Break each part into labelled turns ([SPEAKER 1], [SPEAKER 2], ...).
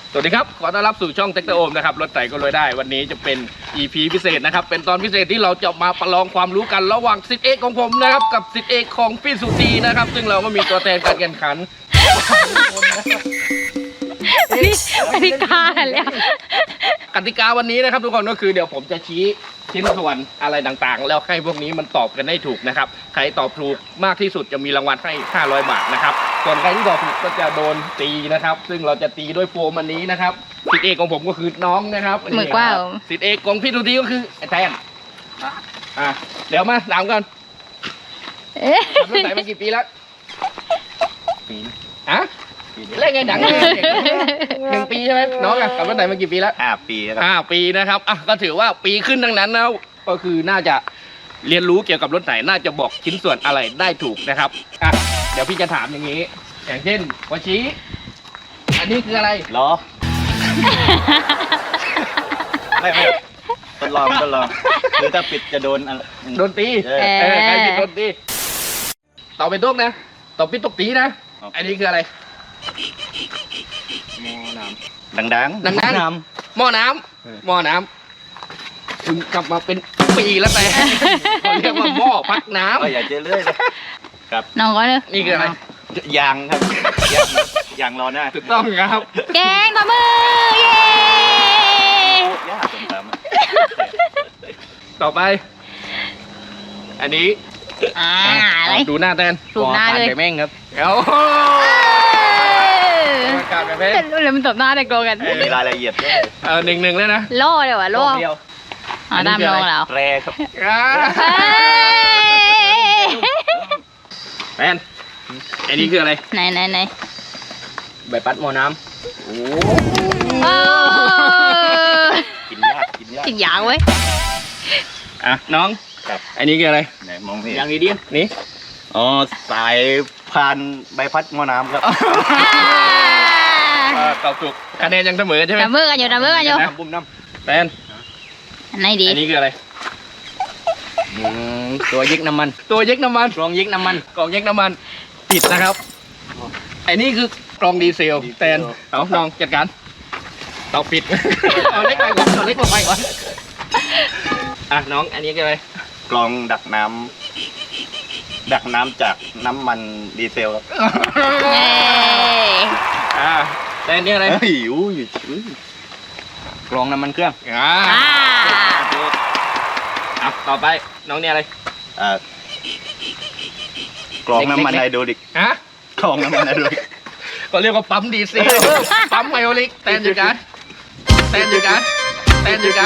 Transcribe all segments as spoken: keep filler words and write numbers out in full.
[SPEAKER 1] สวัสดีครับขอต้อนรับสู่ช่องเทคโนโอมนะครับรถไถก็รวยได้วันนี้จะเป็น อี พี พิเศษนะครับเป็นตอนพิเศษที่เราจะมาประลองความรู้กันระหว่างศิษย์เอกของผมนะครับกับศิษย์เอกของพี่สุธีนะครับซึ่งเราก็มีตัวแทนการแข่งขัน
[SPEAKER 2] กติกาแล้ว
[SPEAKER 1] กติกาวันนี้นะครับทุกคนก็คือเดี๋ยวผมจะชี้ชิ้นส่วนอะไรต่างๆแล้วให้พวกนี้มันตอบกันได้ถูกนะครับใครตอบถูกมากที่สุดจะมีรางวัลให้ห้าร้อยบาทนะครับส่วนใครที่ตอบผิดก็จะโดนตีนะครับซึ่งเราจะตีด้วยโฟมอันนี้นะครับศิษย์เอกของผมก็คือน้องนะครับ
[SPEAKER 2] มือกว้าง
[SPEAKER 1] ศิษย์เอกของพี่สุธีก็คือไอ้แทนอ่ะเดี๋ยวมาถามกันทำรถไถมากี่ปีแล้วปีฮะเล่นไงหนังเลยหนึ่งปีใช่ไหมน้องอะขับรถไถมากี่ปีแล้ว
[SPEAKER 3] ห้าปีครับ
[SPEAKER 1] ห้าปีนะครับอ่ะก็ถือว่าปีขึ้นทั้งนั้นนะก็คือน่าจะเรียนรู้เกี่ยวกับรถไถน่าจะบอกชิ้นส่วนอะไรได้ถูกนะครับอ่ะเดี๋ยวพี่จะถามอย่างนี้ อย่างเช่นวชิอันนี้คืออะไร
[SPEAKER 3] ล้อ ไม่ไม่ทดลองทดลองคือถ้าปิดจะโดนอะไร
[SPEAKER 1] โดนตี
[SPEAKER 3] เออ
[SPEAKER 1] เออใครผิดโดนตีต่อเป็นตุ๊กนะต่อปิดตุ๊กตีนะอันนี้คืออะไร
[SPEAKER 3] หม้อน้ำดังดัง
[SPEAKER 1] ดังๆ
[SPEAKER 3] น้
[SPEAKER 1] หม้อน้ำหม้อน้ำถึงกลับมาเป็นปีแล้วแต่เขาเรียกว่าหม้อพักน้
[SPEAKER 3] ำก็อย่าเจอเรื่อยเลยครับ
[SPEAKER 2] น้องก็เลย
[SPEAKER 1] ำนี่คืออะไร
[SPEAKER 3] ยางครับยางยางรอหน้า
[SPEAKER 1] ถูกต้องครับ
[SPEAKER 2] แกงต่อมือเย้
[SPEAKER 3] ยากจนตาม
[SPEAKER 1] ต่อไป อันนี้
[SPEAKER 2] อ่าอะไร
[SPEAKER 1] ดูหน้าแทน
[SPEAKER 2] ถูกหน้าเลย
[SPEAKER 3] แม่งครับ
[SPEAKER 1] เอ้าการแบบนี้
[SPEAKER 2] เป็นรุ่นเลยมันตบหน้าเด็กโกกัน
[SPEAKER 3] มีรายละเอียดด้วย
[SPEAKER 1] เออหนึ่งหนึ่งเลยนะ
[SPEAKER 2] ล่อเดี๋ยวอ่ะล่อ
[SPEAKER 3] เดียว
[SPEAKER 2] อ๋อตามน้องแล้ว
[SPEAKER 3] แรครับ
[SPEAKER 1] อ่า
[SPEAKER 2] เฮ้ย
[SPEAKER 1] แทนอันนี้คืออะไร
[SPEAKER 2] ไหนไหนไหน
[SPEAKER 1] ใบพัดหม้อน้ำโอ้
[SPEAKER 2] โอ้
[SPEAKER 3] กินยากกินยาก
[SPEAKER 2] กินยางเว้ย
[SPEAKER 1] อ่ะน้อง
[SPEAKER 3] ครับ
[SPEAKER 1] อันนี้คืออะไร
[SPEAKER 3] ไหนมองไม่เห็น
[SPEAKER 1] ยางอีเดียนนี่
[SPEAKER 3] อ๋อสายพานใบพัดหม้อน้ำครับ
[SPEAKER 1] อ่าตอบถูกคะแนนยังเสมอใช่ไหม
[SPEAKER 2] ดับมือกันอยู่ดับมือกันอยู่
[SPEAKER 3] น้ำบุ้มน้
[SPEAKER 1] แทน
[SPEAKER 2] อันไหนดี
[SPEAKER 1] อันนี้คืออะไร
[SPEAKER 3] ำตัวยิกน้ำมัน
[SPEAKER 1] ตัวเย็กน้ำมัน
[SPEAKER 3] กรองยิกน้ำมัน
[SPEAKER 1] กล่องเย็กน้ำมันผิดนะครับอันนี้คือกล่องดีเซล
[SPEAKER 3] ดีเซล
[SPEAKER 1] แทนเอาน้องจัดการตอบผิด เอาเล็กไปก่อนเอาเล็กลงไปก่อนอ่ะน้องอันนี้คืออะไร
[SPEAKER 3] กรองดักน้ำดักน้ำจากน้ำมันดีเซลครับ
[SPEAKER 2] เย้
[SPEAKER 1] อ่าแต่อันนี้อะไร
[SPEAKER 3] เฮ้ยอู้ยอุ้ยกรองน้ำมันเครื่อง
[SPEAKER 1] อ่า
[SPEAKER 2] อ่า
[SPEAKER 1] อ่ะต่อไปน้องเนี่ยอะไร
[SPEAKER 3] อ่ากรองน้ำมันไฮโดรลิก
[SPEAKER 1] ฮะ
[SPEAKER 3] กรองน้ำมันไฮโดรลิก
[SPEAKER 1] ก็เรียกว่าปั๊มดีเซลปั๊มไฮโอลิกแตนอยู่กันแตนอยู่กันแตนอยู่กัน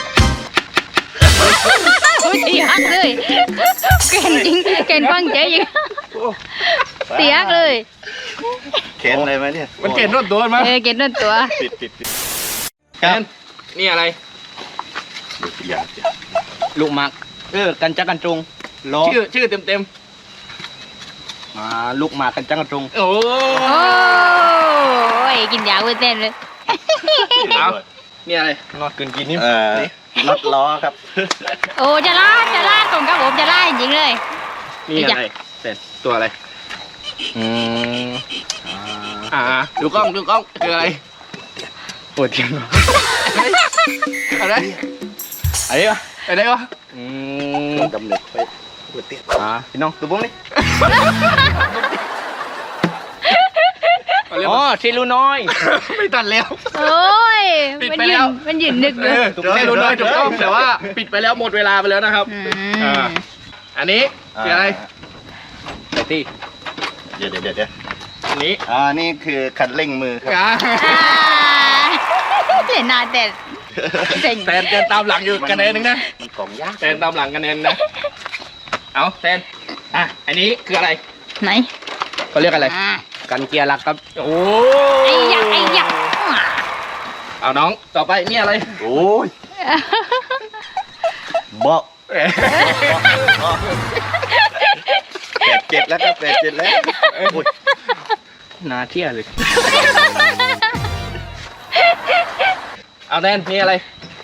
[SPEAKER 2] โอ้ยเสียกเลยเก่งจริงเก่งฟังใจจริงเสียกเลย
[SPEAKER 3] เข็นอะไรไหมเนี่ย
[SPEAKER 1] มันเก่งรถโดนมั้ย
[SPEAKER 2] เออเก่งนั่นตัว
[SPEAKER 3] ปิดปิดปิด
[SPEAKER 1] แตนนี่อะไร
[SPEAKER 3] อย่า
[SPEAKER 4] ลูกหมักเออกันจักกันจงล้อ
[SPEAKER 1] ชื่อชื่อเต็มเต็ม
[SPEAKER 4] อ่าลูกหมากกันจักกันจง
[SPEAKER 1] ๆโอ้
[SPEAKER 2] โอ้ยกินยาเว้ยเต้นเลย
[SPEAKER 1] เอานี่อะไร
[SPEAKER 4] นอดเกินกินนี่
[SPEAKER 3] เอ่อน็อตล้อครับ
[SPEAKER 2] โอ้จะล่าจะล่าตรงกับผมจะล่าจริงๆเลย
[SPEAKER 1] นี่อะไรเสร็จตัวอะไร
[SPEAKER 4] อืม
[SPEAKER 1] อ่าดูกล้องดูกล้องคืออะไร
[SPEAKER 4] ปวดจัง
[SPEAKER 1] อะไร
[SPEAKER 4] อะไรวะ
[SPEAKER 1] อะไรวะ
[SPEAKER 4] อืม
[SPEAKER 3] ดำเนินไปปวดเตี้ย
[SPEAKER 4] อ่าพี่น้องดูบ้งนี่
[SPEAKER 1] เขาเรียก
[SPEAKER 4] อ๋อ
[SPEAKER 1] ว่า
[SPEAKER 4] ชิลูน้อย
[SPEAKER 1] ไม่ตัดแล้ว
[SPEAKER 2] โอ้ย
[SPEAKER 1] ปิด
[SPEAKER 2] มัน
[SPEAKER 1] ไป
[SPEAKER 2] ยื
[SPEAKER 1] แล้ว
[SPEAKER 2] นมันยืนนึกเล
[SPEAKER 1] เอย อถูกต้องเลยถูกต้องแต่ว่าปิดไปแล้วหมดเวลาไปแล้วนะครับ
[SPEAKER 2] อื
[SPEAKER 1] อ่า
[SPEAKER 2] ม
[SPEAKER 1] อันนี้คืออะไร
[SPEAKER 4] ไตตี้
[SPEAKER 3] เดี๋ยวเดี๋ยวเดี๋ยวเดี๋ยว
[SPEAKER 1] อันนี้
[SPEAKER 3] อ่านี่คือคันเร่งมือครับ
[SPEAKER 1] อ่า
[SPEAKER 2] อ่าเล่นหนาเด็ดเจ๋ง
[SPEAKER 1] แทนแทนตามหลังอยู่คะแนนหนึงนะ
[SPEAKER 3] มันกล่องยาก
[SPEAKER 1] แทนตามหลังคะแนนนะเอาแทนอ่ะอันนี้คืออะไร
[SPEAKER 2] ไหน
[SPEAKER 1] เขาเรียกอะไร
[SPEAKER 2] อ่า
[SPEAKER 4] กันเกียร์หลักครับ
[SPEAKER 1] โอ้
[SPEAKER 2] ไอ้ยักษ์ไอ้ยักษ์
[SPEAKER 1] เอาน้องต่อไปนี่อะไร
[SPEAKER 3] โอ้ยเบาะแปดเจ็ดแล้วครับแปดเจ็ดแล้วโอ้ย
[SPEAKER 4] นาเที่ยเลย
[SPEAKER 1] เอาแทนนี่อะไร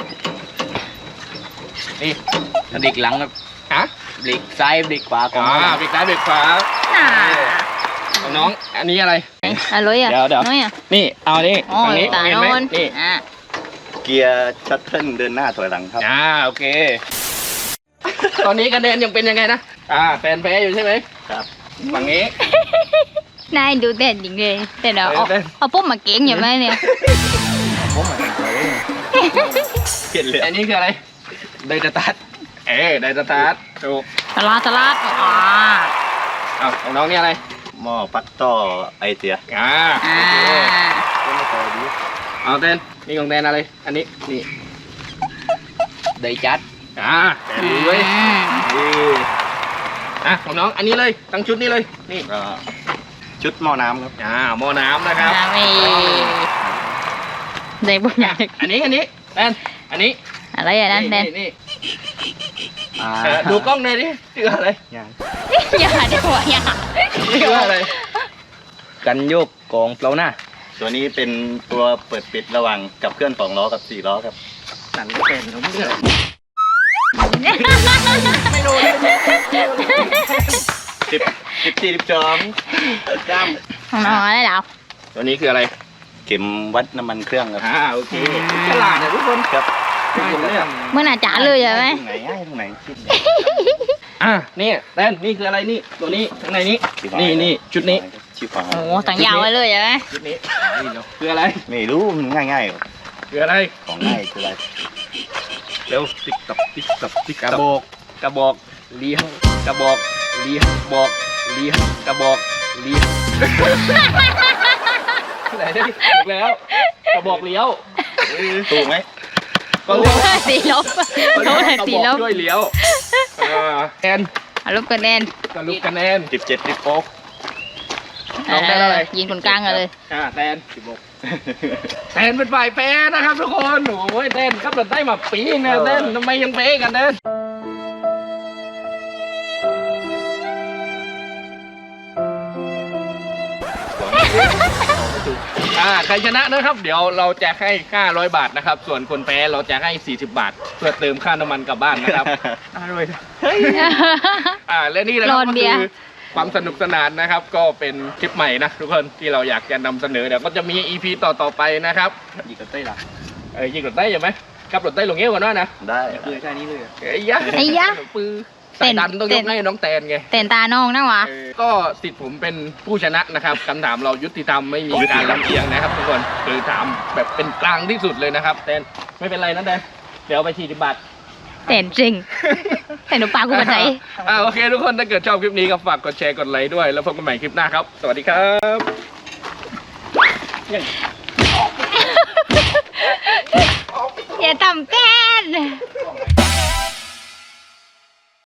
[SPEAKER 1] นี่
[SPEAKER 4] กระดิกหลังครับ
[SPEAKER 1] ฮะ
[SPEAKER 4] เบรกซ้ายเบรกขวาของ
[SPEAKER 1] อ่าเบรกซ้ายเบรกขวา
[SPEAKER 2] น่า
[SPEAKER 1] ของน้องอันนี้อะไร
[SPEAKER 2] อร่อยอ่ะ
[SPEAKER 1] เดี๋ยวเดี๋ยว
[SPEAKER 2] น้อยอ่ะ
[SPEAKER 1] นี่เอานี่
[SPEAKER 2] อ๋อ
[SPEAKER 1] ฝั่งนี้
[SPEAKER 2] ตา
[SPEAKER 1] เห็น
[SPEAKER 2] โน
[SPEAKER 1] ไหม
[SPEAKER 2] น
[SPEAKER 1] นี่
[SPEAKER 2] อ่ะ
[SPEAKER 3] เกียร์ชัตเทิลเดินหน้าถอยหลังครับ
[SPEAKER 1] อ่าโอเค ตอนนี้คะแนนยังเป็นยังไงนะอ่าแฟนแพ้อยู่ใช่ไหม
[SPEAKER 3] ครับ
[SPEAKER 1] ฝั่งนี้
[SPEAKER 2] นายดูเต้นจริงเลยแต่เดี๋ยวเอา
[SPEAKER 1] เต้น
[SPEAKER 2] เอาปุ๊บมาเก่งอยู่ไหมเนี่ย
[SPEAKER 3] เปลี่ยนเลย
[SPEAKER 1] อันนี้คืออะไรไดสตาร์ทเอ้ไดสตาร์ทถูก
[SPEAKER 2] สลัดสลัดอ่า
[SPEAKER 1] เอาของน้องนี่อะไร
[SPEAKER 3] หม้อปักต่อไอเสีย
[SPEAKER 1] อ่า
[SPEAKER 2] อ่า
[SPEAKER 1] เอาเต้นนี่ของแดนอะไร อันนี้นี่ไดจัดอ่าแต่ดูเว้ย
[SPEAKER 2] อืม
[SPEAKER 1] นี่อ่ะของน้องอันนี้เลยตั้งชุดนี้เลยนี่
[SPEAKER 3] ก็ชุดหม้อน้ำครับ
[SPEAKER 1] อ่าหม้อน้ำนะครับ
[SPEAKER 2] อ่าไม่ได้บุญใหญ่
[SPEAKER 1] อันนี้อันนี้แดนอันนี้
[SPEAKER 2] อะไรอ่ะนั่นแน่น
[SPEAKER 1] นี่เออดูกล้องหน่อยดิชื่ออะไร
[SPEAKER 3] ยัง
[SPEAKER 2] อย่าเดี๋ยวอย่า
[SPEAKER 1] ชื่ออะไร
[SPEAKER 4] กันโยกกองเปล่าหน้า
[SPEAKER 3] ตัวนี้เป็นตัวเปิดปิดระหว่างกับเคลื่อนสองล้อกับสี่ล้อครับ
[SPEAKER 1] สั่นก็เป็นผมเนี่ยไม่รู้
[SPEAKER 3] สิบสิบสี่สิบสองจ้าม
[SPEAKER 2] ของน้องอะไรเหรอ
[SPEAKER 1] ตัวนี้คืออะไร
[SPEAKER 3] เข็มวัดน้ำมันเครื่องครับ
[SPEAKER 1] อ่าโอเคฉลาดนะทุกคน
[SPEAKER 3] ครับ
[SPEAKER 1] ทุกคนเนี่ย
[SPEAKER 2] เมื่อน่าจ๋าเลยใช่ไหม
[SPEAKER 3] ตรงไหนง่ายตรงไหนคิด
[SPEAKER 1] อ่ะนี่แดนนี่คืออะไรนี่ตัวนี้ข้างในนี้นี่นี่ชุดนี้
[SPEAKER 3] ชิฟ้า
[SPEAKER 2] โอ้ต่างยาวไว้เลยใช่ไหม
[SPEAKER 1] ชุดนี้นี่เดี๋ยวคืออะไร
[SPEAKER 3] ไม่รู้มันง่ายๆหรอก
[SPEAKER 1] คืออะไร
[SPEAKER 3] ของง่ายคืออะไร
[SPEAKER 1] เร็วติ๊กตับติ๊กตับติ๊กกระบอกกระบอกเลี้ยงกระบอกเลี้ยงบอกเลี้ยงกระบอกเลี้ยงไหนได้ถูกแล้วกระบอกเลี้ยว
[SPEAKER 3] ถูกไหม
[SPEAKER 1] ก็เลี้ยว
[SPEAKER 2] สีลบเขาเลย
[SPEAKER 1] กระ
[SPEAKER 2] สี
[SPEAKER 1] บอก
[SPEAKER 2] ลบ
[SPEAKER 1] ช่วยเลี้ยวอ่าแอน
[SPEAKER 2] เอาลบกันแน่น
[SPEAKER 1] สรุปคะแนน
[SPEAKER 3] สิบเจ็ดสิบโป๊ก
[SPEAKER 1] น้องได้เท่าไหร่
[SPEAKER 2] ยิงคนกลางกันเลย
[SPEAKER 1] อ่าแตนสิบหกแตนเป็นฝ่ายแพ้นะครับทุกคนโอ้ยแตนครับเราได้มาปีเนี่ยแตนทำไมยังแพ้กันแตนอ่าใครชนะนะครับ เดี๋ยวเราจะให้ห้าร้อยบาทนะครับ ส่วนคนแพ้เราจะให้สี่สิบบาท เพื่อเติมค่าน้ำมันกลับบ้านนะครับอร่อยอ่าและนี่แหละค
[SPEAKER 2] โด
[SPEAKER 1] รับ
[SPEAKER 2] น
[SPEAKER 1] ก็
[SPEAKER 2] เบี
[SPEAKER 1] คื
[SPEAKER 2] ยร์
[SPEAKER 1] อความสนุกสนานนะครับ ก็เป็นคลิปใหม่นะทุกคนที่เราอยากจะนำเสนอเดี๋ยวก็จะมี อี พี ต่อต่อๆไปนะครับ
[SPEAKER 4] อีกกระเต้ยล่ะ
[SPEAKER 1] เอ้ยยิงรถได้ยังไหมกับรถได้ลงเงี้ยวกันว่านะ
[SPEAKER 3] ได้
[SPEAKER 4] คือแค่นี้เลย
[SPEAKER 1] ไอ้ยะ
[SPEAKER 2] ไอ้ยะ
[SPEAKER 1] ปือ
[SPEAKER 2] เต้
[SPEAKER 1] สาย
[SPEAKER 2] น
[SPEAKER 1] ดันต้องย
[SPEAKER 2] เต้
[SPEAKER 1] ก
[SPEAKER 2] น
[SPEAKER 1] ให้น้องแตนไง
[SPEAKER 2] เต้นตาน้องนะวะ
[SPEAKER 1] เออก็สิทธิ์ผมเป็นผู้ชนะนะครับคำถามเรายุติธรรมไม่มีการลำเอียงนะครับทุกคนคือถามแบบเป็นกลางที่สุดเลยนะครับแตนไม่เป็นไรนะแตนเดี๋ยวเอาไปสี่สิบบาท
[SPEAKER 2] เต้นจริงแต่หนูปากกูบันได
[SPEAKER 1] อ่าโอเคทุกคนถ้าเกิดชอบคลิปนี้ก็ฝากกดแชร์กดไลค์ด้วยแล้วพบกันใหม่คลิปหน้าครับ สวัสดีครับ
[SPEAKER 2] อย่าทำเต้น